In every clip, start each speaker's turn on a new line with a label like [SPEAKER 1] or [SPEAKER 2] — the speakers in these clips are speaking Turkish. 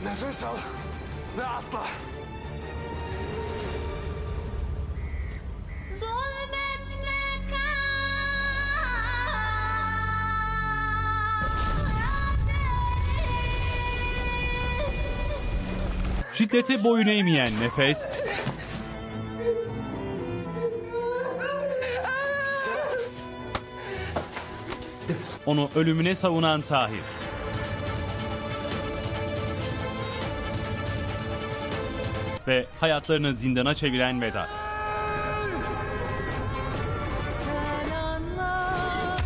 [SPEAKER 1] Nefes al ve atla.
[SPEAKER 2] Şiddete boyun eğmeyen Nefes, onu ölümüne savunan Tahir. Ve hayatlarını zindana çeviren Vedat.
[SPEAKER 3] Sen anlat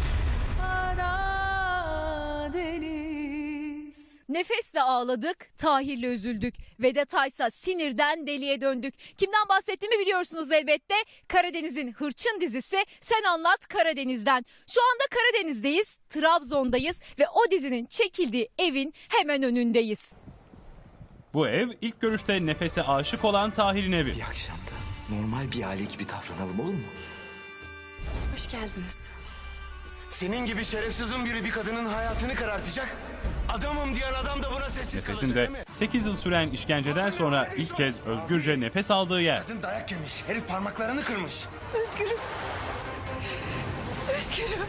[SPEAKER 3] Karadeniz.
[SPEAKER 4] Nefesle ağladık, Tahir'le üzüldük. Vedat'aysa sinirden deliye döndük. Kimden bahsettiğimi biliyorsunuz elbette. Karadeniz'in hırçın dizisi Sen Anlat Karadeniz'den. Şu anda Karadeniz'deyiz, Trabzon'dayız ve o dizinin çekildiği evin hemen önündeyiz.
[SPEAKER 2] Bu ev ilk görüşte Nefes'e aşık olan Tahir'in evi.
[SPEAKER 1] Bir akşamda normal bir aile gibi davranalım, olur mu?
[SPEAKER 3] Hoş geldiniz.
[SPEAKER 1] Senin gibi şerefsizin biri bir kadının hayatını karartacak. Adamım diyen adam da buna sessiz
[SPEAKER 2] Nefes'in
[SPEAKER 1] kalacak
[SPEAKER 2] de
[SPEAKER 1] değil mi?
[SPEAKER 2] 8 yıl süren işkenceden sonra ilk kez özgürce nefes aldığı yer.
[SPEAKER 1] Kadın dayak yemiş, herif parmaklarını kırmış.
[SPEAKER 3] Özgürüm. Özgürüm.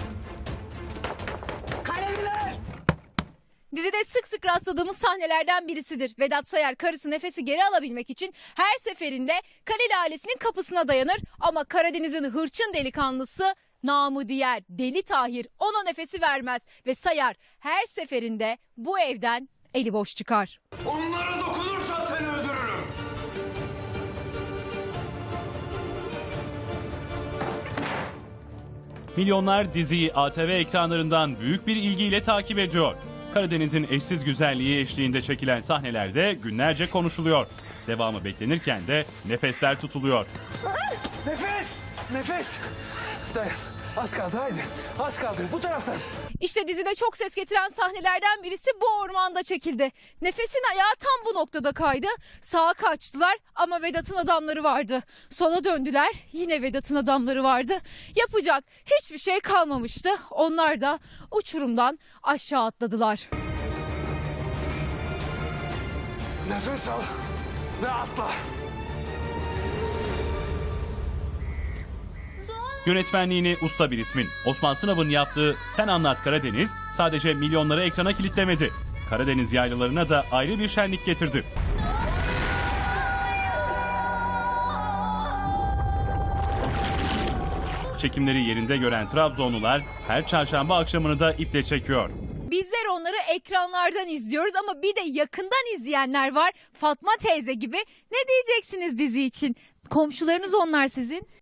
[SPEAKER 1] Kaleliler!
[SPEAKER 4] Dizide sık sık rastladığımız sahnelerden birisidir. Vedat Sayar karısı Nefes'i geri alabilmek için her seferinde Kaleli ailesinin kapısına dayanır. Ama Karadeniz'in hırçın delikanlısı namı diğer Deli Tahir ona Nefes'i vermez. Ve Sayar her seferinde bu evden eli boş çıkar.
[SPEAKER 1] Onlara dokunursan seni öldürürüm.
[SPEAKER 2] Milyonlar diziyi ATV ekranlarından büyük bir ilgiyle takip ediyor. Karadeniz'in eşsiz güzelliği eşliğinde çekilen sahnelerde günlerce konuşuluyor. Devamı beklenirken de nefesler tutuluyor.
[SPEAKER 1] Nefes! Nefes! Dayan. Az kaldı, haydi. Az kaldı. Bu taraftan.
[SPEAKER 4] İşte dizide çok ses getiren sahnelerden birisi bu ormanda çekildi. Nefes'in ayağı tam bu noktada kaydı. Sağa kaçtılar ama Vedat'ın adamları vardı. Sola döndüler, yine Vedat'ın adamları vardı. Yapacak hiçbir şey kalmamıştı. Onlar da uçurumdan aşağı atladılar.
[SPEAKER 1] Nefes al ve atla.
[SPEAKER 2] Yönetmenliğini usta bir ismin Osman Sınav'ın yaptığı Sen Anlat Karadeniz sadece milyonları ekrana kilitlemedi. Karadeniz yaylalarına da ayrı bir şenlik getirdi. Çekimleri yerinde gören Trabzonlular her çarşamba akşamını da iple çekiyor.
[SPEAKER 4] Bizler onları ekranlardan izliyoruz ama bir de yakından izleyenler var. Fatma teyze gibi. Ne diyeceksiniz dizi için? Komşularınız onlar sizin.